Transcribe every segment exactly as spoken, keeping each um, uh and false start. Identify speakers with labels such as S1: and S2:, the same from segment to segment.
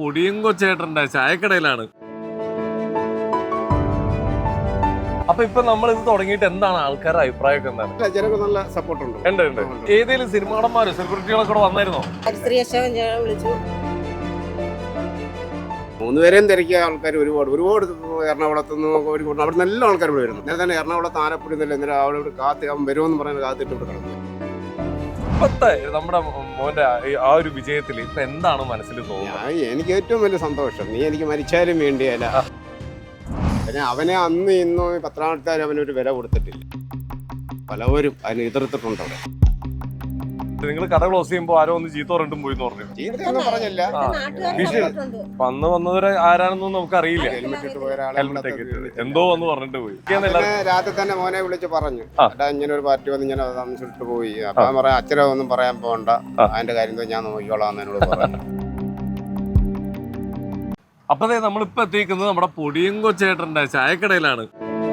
S1: പൊടിയും കൊച്ചേട്ടൻ്റെ ചായക്കടയിലാണ്. അപ്പൊ ഇപ്പൊ നമ്മൾ ഇത് തുടങ്ങിയിട്ട് എന്താണ് ആൾക്കാരുടെ അഭിപ്രായമൊക്കെ എന്താണ്?
S2: ജനങ്ങൾക്ക് നല്ല സപ്പോർട്ട് ഉണ്ട്.
S1: ഉണ്ട് ഉണ്ട്. ഏതെങ്കിലും സിനിമാടന്മാര് സെലിബ്രിറ്റികളൊക്കെ കൂടെ വന്നായിരുന്നോ?
S2: മൂന്നുപേരെയും തിരക്കിയ ആൾക്കാർ ഒരുപാട് ഒരുപാട് എറണാകുളത്ത് നിന്ന് ഒരുപാട് അവിടെ നല്ല ആൾക്കാർ ഇവിടെ വരുന്നു. നേരെ തന്നെ എറണാകുളത്ത് ആലപ്പുഴ നിന്നല്ല എന്നിട്ട് അവിടെ ഇവിടെ കാത്ത് അവൻ വരുമെന്ന് പറയുന്നത് കാത്തിട്ട് ഇവിടെ കിടന്നു.
S1: ഇപ്പത്തെ നമ്മുടെ മോന്റെ ആ ഒരു വിജയത്തിൽ ഇപ്പൊ എന്താണ് മനസ്സിൽ തോന്നുന്നത്?
S2: എനിക്ക് ഏറ്റവും വലിയ സന്തോഷം, നീ എനിക്ക് മരിച്ചാലും വേണ്ടിയല്ല. പിന്നെ അവനെ അന്ന് ഇന്നോ പത്രാമത്താൽ അവനൊരു വില കൊടുത്തിട്ടില്ല. പലവരും അതിന് എതിർത്തിട്ടുണ്ട്. അവിടെ
S1: നിങ്ങൾ കട ക്ലോസ് ചെയ്യുമ്പോ ആരോ ഒന്ന് ചീത്ത പറഞ്ഞിട്ടും പോയി പറഞ്ഞു.
S2: ചീത്തയൊന്നും പറഞ്ഞില്ല.
S1: വന്ന് വന്നവരെ ആരാണെന്നൊന്നും നമുക്ക് അറിയില്ല.
S2: ഹെൽമെറ്റ് ഇട്ട് പോയ ഒരാളെ
S1: എന്തോ വന്ന് പറഞ്ഞിട്ട് പോയി.
S2: രാത്രി തന്നെ മോനെ വിളിച്ച് പറഞ്ഞു, ഏട്ടാ ഇങ്ങനെ ഒരു പാർട്ടി വന്ന് ഇങ്ങനെ താമസിച്ചിട്ട് പോയി. അപ്പൊ പറയാം അച്ഛനെ ഒന്നും പറയാൻ പോകണ്ട, അതിന്റെ കാര്യം ഞാൻ നോക്കിക്കോളാം എന്നോട് പറഞ്ഞു.
S1: അപ്പതേ നമ്മളിപ്പോ എത്തിക്കുന്നത് നമ്മുടെ പൊടിയും കൊച്ചേട്ടന്റെ ചായക്കടയിലാണ്.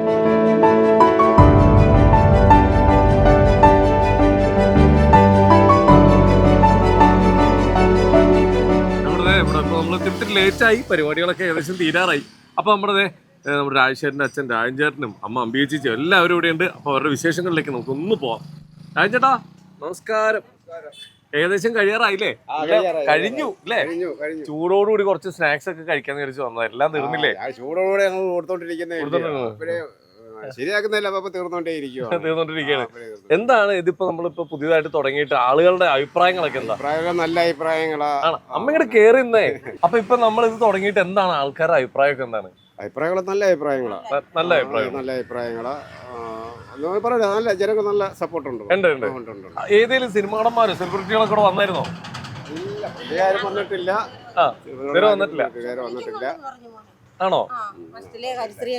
S1: നമ്മുടെ ഇവിടെ നമ്മൾ തിരുത്തി ലേറ്റായി, പരിപാടികളൊക്കെ ഏകദേശം തീരാറായി. അപ്പൊ നമ്മുടെ നമ്മുടെ രാജശേഖരന്റെ അച്ഛൻ രാജൻചേട്ടനും അമ്മ അമ്പിയേച്ചിച്ചും എല്ലാവരും ഇവിടെ ഉണ്ട്. അപ്പൊ അവരുടെ വിശേഷങ്ങളിലേക്ക് നമുക്ക് ഒന്ന് പോവാം. രാജൻചേട്ടാ നമസ്കാരം. ഏകദേശം കഴിയാറായില്ലേ? കഴിഞ്ഞു അല്ലേ? ചൂടോടുകൂടി കുറച്ച് സ്നാക്സ് ഒക്കെ കഴിക്കാൻ വിചാരിച്ചു വന്നത്. എല്ലാം തീർന്നില്ലേ?
S2: ചൂടോടുകൂടി ഞങ്ങൾ ശരിയാക്കുന്നില്ല,
S1: തീർന്നോണ്ടിരിക്കുകയാണ്. എന്താണ് ഇതിപ്പോ നമ്മളിപ്പോ പുതിയതായിട്ട് തുടങ്ങിയിട്ട് ആളുകളുടെ അഭിപ്രായങ്ങളൊക്കെ എന്താ?
S2: അഭിപ്രായങ്ങൾ നല്ല അഭിപ്രായങ്ങളാണ്.
S1: അമ്മയുടെ കേറിന്നേ. അപ്പൊ ഇപ്പൊ നമ്മൾ ഇത് തുടങ്ങിയിട്ട് എന്താണ് ആൾക്കാരുടെ അഭിപ്രായമൊക്കെ എന്താണ്?
S2: അഭിപ്രായങ്ങൾ നല്ല അഭിപ്രായങ്ങളാ.
S1: നല്ല അഭിപ്രായം
S2: നല്ല അഭിപ്രായങ്ങളാ. പറയാ നല്ല ജനങ്ങൾക്ക് നല്ല സപ്പോർട്ട് ഉണ്ട്.
S1: ഏതെങ്കിലും സിനിമാടന്മാര് സെലിബ്രിറ്റികളൊക്കെ കൂടെ വന്നായിരുന്നോ?
S2: ഇല്ല, വന്നിട്ടില്ല.
S1: വന്നിട്ടില്ല
S2: വന്നിട്ടില്ല
S1: ആണോ?
S3: ഹരിശ്രീ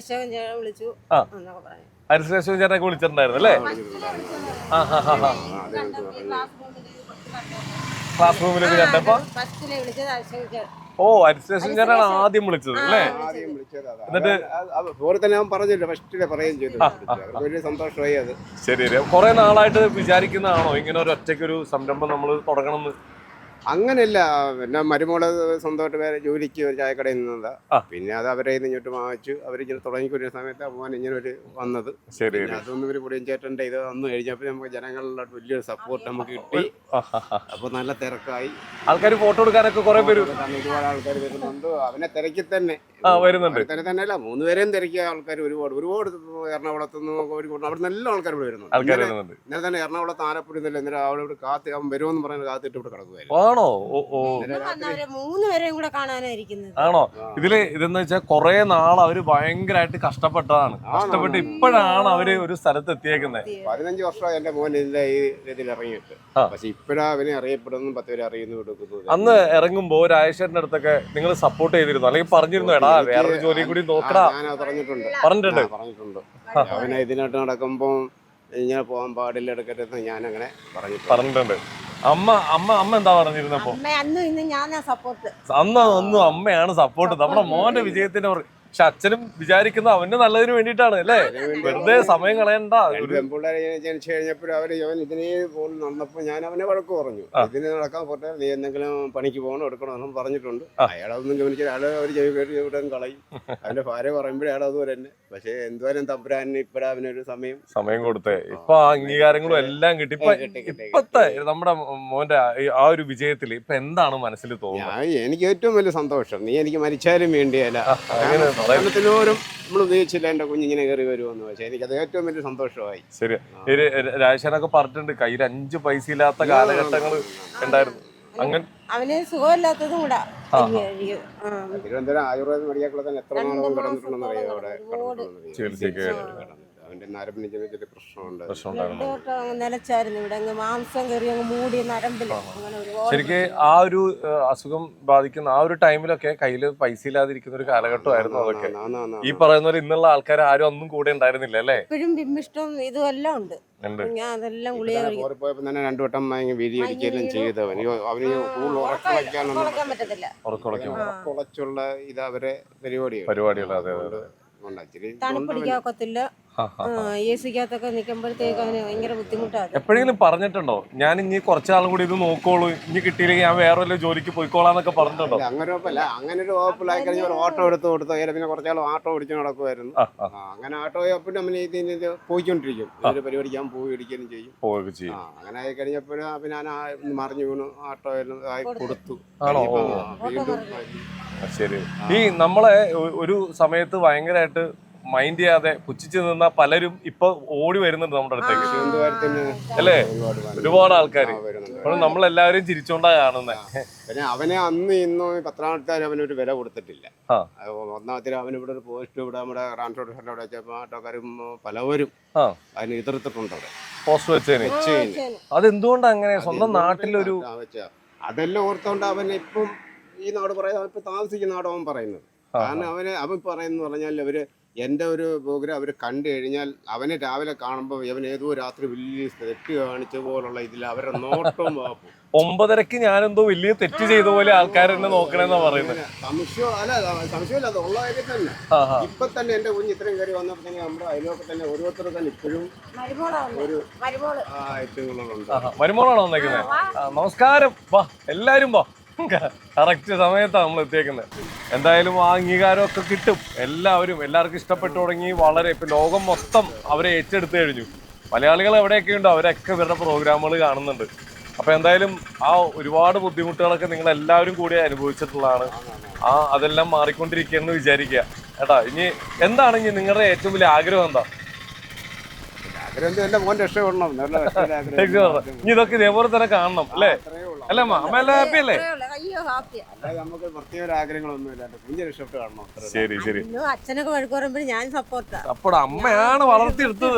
S1: അശോകൻ ചേട്ടനൊക്കെ വിളിച്ചിട്ടുണ്ടായിരുന്നു അല്ലേ? ക്ലാസ് റൂമിലേക്ക് കണ്ടപ്പോ ഓ ഹരിശ്രീ അശോകൻ ചേട്ടനാണ് ആദ്യം വിളിച്ചത് അല്ലേ? എന്നിട്ട്
S2: പറഞ്ഞില്ല, ഫസ്റ്റിലെ പറയുകയും ചെയ്തു. വലിയ സന്തോഷമായി. അത്
S1: ശരി. കുറെ നാളായിട്ട് വിചാരിക്കുന്നതാണോ ഇങ്ങനെ ഒരു ഒറ്റയ്ക്കൊരു സംരംഭം നമ്മൾ തുടങ്ങണമെന്ന്?
S2: അങ്ങനെയല്ല, പിന്നെ മരുമോള് സ്വന്തമായിട്ട് വേറെ ജോലിക്ക് ഒരു ചായക്കടയിൽ നിന്നതാ. പിന്നെ അത് അവരെ ഇങ്ങോട്ട് വാങ്ങിച്ചു. അവരിങ്ങനെ തുടങ്ങിക്കൊരു സമയത്ത് മോൻ ഇങ്ങനെ ഒരു വന്നത്.
S1: ശരി.
S2: അതൊന്നും ഒരു പൊടിയും ചേട്ടൻ്റെ ഇത് വന്നു കഴിഞ്ഞപ്പോൾ നമുക്ക് ജനങ്ങളുടെ വലിയൊരു സപ്പോർട്ട് നമുക്ക് കിട്ടി. അപ്പൊ നല്ല തിരക്കായി.
S1: ആൾക്കാർ ഫോട്ടോ എടുക്കാനൊക്കെ കുറെ പേര്
S2: ഒരുപാട് ആൾക്കാർ വരുന്നുണ്ട്. അവനെ തിരക്കി തന്നെ
S1: വരുന്നുണ്ട്.
S2: തന്നെ തന്നെയല്ല, മൂന്നുപേരെയും തിരക്കിയ ആൾക്കാർ ഒരുപാട് ഒരുപാട് എറണാകുളത്ത് നിന്ന് കോഴിക്കോട് അവിടെ നല്ല ആൾക്കാർ ഇവിടെ വരുന്നുണ്ട്. ഇന്നലെ തന്നെ എറണാകുളത്ത് ആലപ്പുഴ നിന്നല്ല എന്നിട്ട് അവിടെ ഇവിടെ കാത്ത് അവൻ വരുമെന്ന് പറയുന്നത് കാത്തിട്ട് ഇവിടെ കിടക്കുമായിരുന്നു.
S1: ആണോ?
S3: മൂന്നുപേരെയും കൂടെ കാണാനായിരിക്കുന്നത്.
S1: ആണോ? ഇതില് ഇതെന്ന് വെച്ചാൽ കുറെ നാൾ അവര് ഭയങ്കരമായിട്ട് കഷ്ടപ്പെട്ടതാണ്. കഷ്ടപ്പെട്ട് ഇപ്പോഴാണ് അവര് ഒരു സ്ഥലത്ത് എത്തിയേക്കുന്നത്.
S2: പതിനഞ്ച് വർഷമായി എന്റെ മോൻ ഇതിന്റെ ഈ ഇതിൽ ഇറങ്ങിയിട്ട്. പക്ഷെ ഇപ്പഴാ അവനെ അറിയപ്പെടുന്നു, പത്ത് പേര് അറിയുന്നു കൊടുക്കുന്നു.
S1: അന്ന് ഇറങ്ങുമ്പോ രാജേശ്വരന്റെ അടുത്തൊക്കെ നിങ്ങൾ സപ്പോർട്ട് ചെയ്തിരുന്നു അല്ലെങ്കിൽ പറഞ്ഞിരുന്നു, എടാ വേറൊരു ജോലി കൂടി നോക്കടാ?
S2: ഞാൻ പറഞ്ഞിട്ടുണ്ട്
S1: പറഞ്ഞിട്ടുണ്ട്
S2: പറഞ്ഞിട്ടുണ്ട് അവനെ ഇതിനായിട്ട് നടക്കുമ്പോ ഇങ്ങനെ പോകാൻ പാടില്ല, എടുക്കരുത് ഞാൻ അങ്ങനെ
S1: പറഞ്ഞിട്ടുണ്ട്. അമ്മ അമ്മ അമ്മ എന്താ പറഞ്ഞിരുന്നപ്പോ? അന്ന് ഒന്നും അമ്മയാണ് സപ്പോർട്ട്. നമ്മുടെ മോന്റെ വിജയത്തിന്. പക്ഷെ അച്ഛനും വിചാരിക്കുന്ന അവന് നല്ലതിന് വേണ്ടിയിട്ടാണ് അല്ലേ? വെറുതെ സമയം കളയണ്ട.
S2: ജനിച്ചു കഴിഞ്ഞപ്പോഴും അവര് അവൻ ഇതിനെ പോലും നടന്നപ്പോ ഞാൻ അവനെ വഴക്ക് പറഞ്ഞു. ഇതിന് നടക്കാൻ പോട്ടെ, നീ എന്തെങ്കിലും പണിക്ക് പോകണം എടുക്കണമെന്നും പറഞ്ഞിട്ടുണ്ട്. അയാളൊന്നും ഗവനിച്ചാൽ അയാൾ അവർ ഇവിടെ കളയും. അവന്റെ ഭാര്യ പറയുമ്പോഴേ അയാൾ അതുപോലെ തന്നെ. പക്ഷെ എന്തുവരും തമ്പുരാന് ഇപ്പഴാ അവനൊരു സമയം
S1: സമയം കൊടുത്തേ. ഇപ്പൊ അംഗീകാരങ്ങളും എല്ലാം കിട്ടി. ഇപ്പൊ ഇപ്പത്തെ നമ്മുടെ മോന്റെ ആ ഒരു വിജയത്തിൽ ഇപ്പൊ എന്താണ് മനസ്സിൽ തോന്നുന്നത്?
S2: എനിക്ക് ഏറ്റവും വലിയ സന്തോഷം, നീ എനിക്ക് മരിച്ചാലും വേണ്ടിയല്ല. ോരും നമ്മൾ ഉദ്ദേശിച്ചില്ല എന്റെ കുഞ്ഞിങ്ങനെ കയറി വരുമെന്ന്. പക്ഷെ എനിക്കത് ഏറ്റവും വലിയ സന്തോഷമായി.
S1: ശരി. രാജേശ്വരനൊക്കെ പറഞ്ഞിട്ടുണ്ട് കയ്യിൽ അഞ്ചു പൈസ ഇല്ലാത്ത കാലഘട്ടങ്ങൾ ഉണ്ടായിരുന്നു. അങ്ങനെ
S3: അവന് സുഖമില്ലാത്തതും കൂടാ.
S2: തിരുവനന്തപുരം ആയുർവേദ മെഡിക്കൽ കോളേജിൽ തന്നെ എത്ര നാളും കിടന്നിട്ടുണ്ടെന്ന് അറിയാം. അവിടെ
S1: ചികിത്സയ്ക്ക്
S2: അവന്റെ നരമ്പിന് ചെറിയ പ്രശ്നമുണ്ട്.
S3: നിലച്ചായിരുന്നു ഇവിടെ മാംസം കയറി മൂടി നരമ്പില്.
S1: ശരിക്ക് ആ ഒരു അസുഖം ബാധിക്കുന്ന ആ ഒരു ടൈമിലൊക്കെ കയ്യില് പൈസ ഇല്ലാതിരിക്കുന്ന ഒരു കാലഘട്ടമായിരുന്നു അതൊക്കെ. ഈ പറയുന്ന പോലെ ഇന്നുള്ള ആൾക്കാർ ആരും ഒന്നും കൂടെ ഉണ്ടായിരുന്നില്ല അല്ലേ?
S3: ഇപ്പോഴും ബിംബിഷ്ടം ഇതും എല്ലാം ഉണ്ട്. ഞാൻ അതെല്ലാം ഗുളിക
S2: പോയപ്പോ തന്നെ രണ്ടു വട്ടം വീതിയിരിക്കുകയും ചെയ്തവൻ അവന് കൂടുതൽ ഉറക്കം
S3: പറ്റത്തില്ല.
S2: ഉറക്കുളച്ചുള്ള ഇത് അവരെ പരിപാടികൾ
S3: തണുപ്പ് പിടിക്കാക്കത്തില്ല. എ സിക്കകത്തൊക്കെ നിൽക്കുമ്പോഴത്തേക്ക് അവന് ഭയങ്കര ബുദ്ധിമുട്ടാണ്.
S1: എപ്പോഴെങ്കിലും പറഞ്ഞിട്ടുണ്ടോ ഞാൻ ഇനി കുറച്ചാളും കൂടി ഇത് നോക്കോളൂ, ഇനി കിട്ടിയില്ലെങ്കിൽ ഞാൻ വേറെ വല്ല ജോലിക്ക് പോയിക്കോളാന്നൊക്കെ പറഞ്ഞിട്ടുണ്ടോ?
S2: അങ്ങനെ ഉറപ്പല്ല. അങ്ങനെ ഒരു വകുപ്പിലായി കഴിഞ്ഞാൽ ഒരു ഓട്ടോ എടുത്ത് കൊടുത്തു. അതിൽ പിന്നെ കുറച്ചാൾ ഓട്ടോ ഓടിച്ച് നടക്കുമായിരുന്നു.
S1: ആ, ആ.
S2: ആ, അങ്ങനെ ഓട്ടോ പിന്നെ നമ്മൾ ഇതിന് ഇത് പോയിക്കൊണ്ടിരിക്കും. ഒരു പരിപാടിക്കാൻ പോയി ഇടിക്കുകയും ചെയ്യും.
S1: പോവുകയൊക്കെ ചെയ്യും.
S2: ആ, അങ്ങനെ ആയി കഴിഞ്ഞപ്പോഴും പിന്നെ ഞാൻ ആ ഒന്ന് മറിഞ്ഞു വീണു. ഓട്ടോ ആയി കൊടുത്തു.
S1: ആണോ?
S2: ഇനിയിപ്പം
S1: ഓ.
S2: ആ, വീണ്ടും
S1: ആ, ശരി. ഈ നമ്മളെ ഒ- ഒരു സമയത്ത് ഭയങ്കരമായിട്ട് മൈൻഡ് ചെയ്യാതെ പുച്ഛിച്ച് നിന്ന പലരും ഇപ്പൊ ഓടി വരുന്നുണ്ട് നമ്മുടെ അടുത്തേക്ക്,
S2: തിരുവനന്തപുരത്തിന്
S1: അല്ലേ?
S2: ഒരുപാട് വന്നു.
S1: ഒരുപാട് ആൾക്കാര്.
S2: ആ, വരുന്നുണ്ട്.
S1: അപ്പോൾ നമ്മളെല്ലാവരും ചിരിച്ചോണ്ടാ കാണുന്നത്.
S2: പിന്നെ അവനെ അന്ന് ഇന്നും പത്രാമത്താർ അവനൊരു വില കൊടുത്തിട്ടില്ല.
S1: ആ.
S2: അത് ഒന്നാമത്തെ അവൻ ഇവിടെ ഒരു പോസ്റ്റ് ഇവിടെ നമ്മുടെ ട്രാൻസ്പോർട്ട് സെന്റർ അവിടെ വെച്ചപ്പോൾ ഓട്ടോക്കാരും പലവരും
S1: ആ,
S2: അതിന് എതിർത്തിട്ടുണ്ട് അവിടെ.
S1: പോസ്റ്റ് വെച്ചേന്. അതെന്തുകൊണ്ടാ അങ്ങനെ? സ്വന്തം നാട്ടിലൊരു
S2: ആ, വെച്ചാ. അതെല്ലാം ഓർത്തോണ്ട് അവൻ ഇപ്പം ഈ നാട് പറയുന്നത് ഇപ്പൊ താമസിക്കുന്ന നാട് അവൻ പറയുന്നത്. കാരണം അവന് അവൻ പറയുന്ന പറഞ്ഞാൽ അവര് എൻ്റെ ഒരു പ്രോഗ്രാം അവർ കണ്ടു കഴിഞ്ഞാൽ അവനെ രാവിലെ കാണുമ്പോൾ അവൻ ഏതോ രാത്രി വലിയ തെറ്റ് കാണിച്ച പോലുള്ള ഇതിൽ അവരുടെ നോട്ടവും വാപ്പും.
S1: ഒമ്പതരക്ക് ഞാനെന്തോ വലിയ തെറ്റ് ചെയ്ത പോലെ ആൾക്കാരെന്നെ നോക്കണെന്നാ പറയുന്നത്.
S2: സംശയം അല്ല, സംശയമില്ല, അത് ഉള്ള കാര്യം തന്നെ. ഇപ്പൊ തന്നെ എന്റെ കുഞ്ഞ് ഇത്രയും കയറി വന്നപ്പോ തന്നെ നമ്മുടെ അയൽവൊക്കെ തന്നെ ഓരോരുത്തർ തന്നെ ഇപ്പോഴും ഒരു ഐറ്റങ്ങളുണ്ട്.
S1: മരുമോളാണോ വന്നേക്കുന്നത്? നമസ്കാരം. വാ, എല്ലാരും വാ. കറക്റ്റ് സമയത്താണ് നമ്മൾ എത്തിയേക്കുന്നത്. എന്തായാലും ആ അംഗീകാരമൊക്കെ കിട്ടും. എല്ലാവരും എല്ലാവർക്കും ഇഷ്ടപ്പെട്ടു തുടങ്ങി. വളരെ ഇപ്പൊ ലോകം മൊത്തം അവരെ ഏറ്റെടുത്തു കഴിഞ്ഞു. മലയാളികൾ എവിടെയൊക്കെ ഉണ്ടോ അവരൊക്കെ ഇവരുടെ പ്രോഗ്രാമുകൾ കാണുന്നുണ്ട്. അപ്പൊ എന്തായാലും ആ ഒരുപാട് ബുദ്ധിമുട്ടുകളൊക്കെ നിങ്ങൾ എല്ലാവരും കൂടി അനുഭവിച്ചിട്ടുള്ളതാണ്. ആ അതെല്ലാം മാറിക്കൊണ്ടിരിക്കുകയെന്ന് വിചാരിക്കുക കേട്ടാ. ഇനി എന്താണ് ഇനി നിങ്ങളുടെ ഏറ്റവും വലിയ ആഗ്രഹം എന്താ?
S2: എന്റെ മോൻ രക്ഷപ്പെടണം.
S1: ഇനി ഇതൊക്കെ ഇതേപോലെ തന്നെ കാണണം അല്ലേ? അല്ല അമ്മ അമ്മ എല്ലാം ഹാപ്പി അല്ലേ?
S2: അല്ലാതെ നമുക്ക് പ്രത്യേക ആഗ്രഹങ്ങളൊന്നുമില്ല. കുഞ്ഞ് രക്ഷപ്പെട്ട് കാണണം.
S1: ശരി ശരി.
S3: അച്ഛനൊക്കെ വഴക്ക് പറയുമ്പോൾ ഞാൻ സപ്പോർട്ടാ.
S1: അപ്പോൾ അമ്മയാണ് വളർത്തിയെടുത്തത്.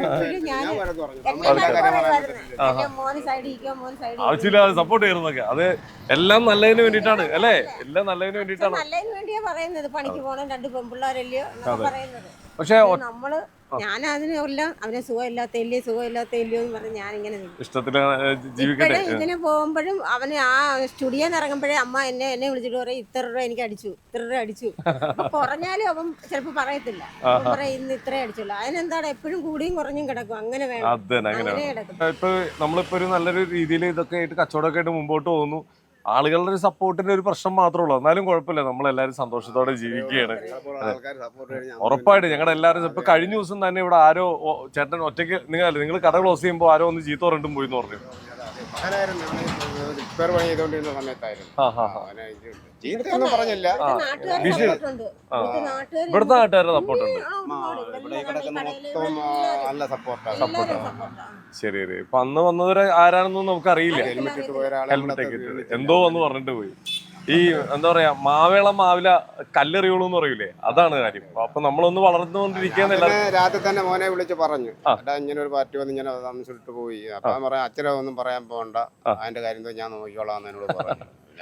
S1: ആവശ്യമില്ലാതെ സപ്പോർട്ട് ചെയ്യുന്നതൊക്കെ അത് എല്ലാം നല്ലതിന് വേണ്ടിയിട്ടാണ് അല്ലേ? എല്ലാം നല്ലതിന് വേണ്ടിയിട്ടാണ്.
S3: നല്ലതിന് വേണ്ടിയാ പറയുന്നത്. പണിക്ക് പോകണം, രണ്ട് പെൺപിള്ളേരല്ലയോ പറയുന്നത്.
S1: പക്ഷെ
S3: നമ്മള് ഞാൻ അതിനെല്ലാം അവനെ സുഖമില്ലാത്തല്ലയോ സുഖമില്ലാത്തല്ലയോ എന്ന് പറഞ്ഞ് ഞാനിങ്ങനെ
S1: ഇഷ്ടത്തിന് ജീവിക്കട്ടെ.
S3: ഇതിന് പോകുമ്പോഴും അവന് ആ സ്റ്റുഡിയോന്ന് ഇറങ്ങുമ്പോഴേ അമ്മ എന്നെ എന്നെ വിളിച്ചിട്ട് പറയും ഇത്ര രൂപ എനിക്ക് അടിച്ചു, ഇത്ര രൂപ അടിച്ചു. അപ്പൊ കുറഞ്ഞാലും അവൻ ചിലപ്പോ പറയത്തില്ല. പറയും ഇന്ന് ഇത്രേ അടിച്ചുള്ളൂ. അതിനെന്താണ് എപ്പോഴും കൂടിയും കുറഞ്ഞും കിടക്കും. അങ്ങനെ വേണം. അങ്ങനെ കിടക്കും.
S1: ഇപ്പൊ നമ്മളിപ്പോ ഒരു നല്ലൊരു രീതിയിൽ ഇതൊക്കെ ആയിട്ട് കച്ചവടമൊക്കെ ആയിട്ട് മുമ്പോട്ട് പോകുന്നു. ആളുകളുടെ ഒരു സപ്പോർട്ടിന്റെ ഒരു പ്രശ്നം മാത്രമേ ഉള്ളൂ. എന്നാലും കുഴപ്പമില്ല, നമ്മളെല്ലാവരും സന്തോഷത്തോടെ ജീവിക്കുകയാണ്. ഉറപ്പായിട്ട് ഞങ്ങളുടെ എല്ലാവരും ഇപ്പൊ കഴിഞ്ഞ ദിവസം തന്നെ ഇവിടെ ആരോ ചേട്ടൻ ഒറ്റയ്ക്ക് നിങ്ങൾ നിങ്ങൾ കട ക്ലോസ് ചെയ്യുമ്പോൾ ആരോ ഒന്ന് ചീത്ത പറഞ്ഞിട്ടും പോയി എന്ന് പറഞ്ഞു.
S2: പറഞ്ഞില്ല.
S1: ഇവിടുത്തെ നാട്ടുകാരുടെ സപ്പോർട്ടുണ്ട്.
S2: നല്ല സപ്പോർട്ടാണ്.
S1: ശരി ശരി. ഇപ്പൊ അന്ന് വന്നവര് ആരാണെന്നൊന്നും നമുക്ക് അറിയില്ല. ഹെൽമെറ്റ് ഒക്കെ ഇട്ടത് എന്തോ വന്ന് പറഞ്ഞിട്ട് പോയി. ഈ എന്താ പറയാ മാവേള മാവില കല്ലെറിയുള്ളൂ എന്ന് പറയൂലേ, അതാണ് കാര്യം. അപ്പൊ നമ്മളൊന്ന് വളർന്നുകൊണ്ടിരിക്കുന്ന
S2: രാത്രി തന്നെ മോനെ വിളിച്ച് പറഞ്ഞു ഇങ്ങനെ ഒരു പാർട്ടി വന്ന് ഇങ്ങനെ താമസിച്ചിട്ട് പോയി. അപ്പൊ ഞാൻ പറയാം അച്ഛനെ ഒന്നും പറയാൻ പോകണ്ട, അതിന്റെ കാര്യം ഞാൻ നോക്കിക്കോളാം എന്നോട് പറഞ്ഞു.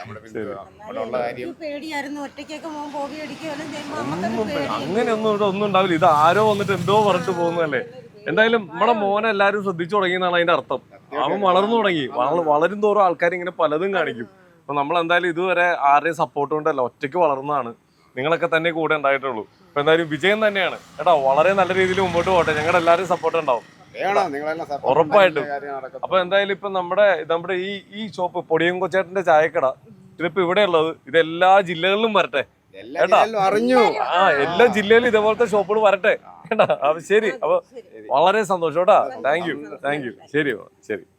S1: അങ്ങനെയൊന്നും ഇവിടെ ഒന്നും ഉണ്ടാവില്ല. ഇത് ആരോ വന്നിട്ട് എന്തോ പറഞ്ഞിട്ട് പോകുന്നതല്ലേ. എന്തായാലും നമ്മുടെ മോനെ എല്ലാരും ശ്രദ്ധിച്ചു തുടങ്ങിയെന്നാണ് അതിന്റെ അർത്ഥം. അവൻ വളർന്നു തുടങ്ങി. വളരും തോറും ആൾക്കാർ ഇങ്ങനെ പലതും കാണിക്കും. അപ്പൊ നമ്മൾ എന്തായാലും ഇതുവരെ ആരുടെയും സപ്പോർട്ട് കൊണ്ടല്ല, ഒറ്റയ്ക്ക് വളർന്നതാണ്. നിങ്ങളൊക്കെ തന്നെ കൂടെ ഉണ്ടായിട്ടുള്ളൂ. അപ്പൊ എന്തായാലും വിജയം തന്നെയാണ് കേട്ടോ. വളരെ നല്ല രീതിയിൽ മുമ്പോട്ട് പോട്ടെ. ഞങ്ങളുടെ എല്ലാവരും സപ്പോർട്ട് ഉണ്ടാവും ഉറപ്പായിട്ടും. അപ്പൊ എന്തായാലും ഇപ്പൊ നമ്മുടെ നമ്മുടെ ഈ ഈ ഷോപ്പ് പൊടിയും കൊച്ചേട്ടന്റെ ചായക്കട ഇതിപ്പോ ഇവിടെ ഉള്ളത് ഇതെല്ലാ ജില്ലകളിലും വരട്ടെ കേട്ടാ.
S2: അറിഞ്ഞു
S1: ആ എല്ലാ ജില്ലയിലും ഇതേപോലത്തെ ഷോപ്പുകൾ വരട്ടെ കേട്ടാ. അപ്പൊ ശരി. അപ്പൊ വളരെ സന്തോഷം കേട്ടാ. Thank you thank you. ശരി ശരി.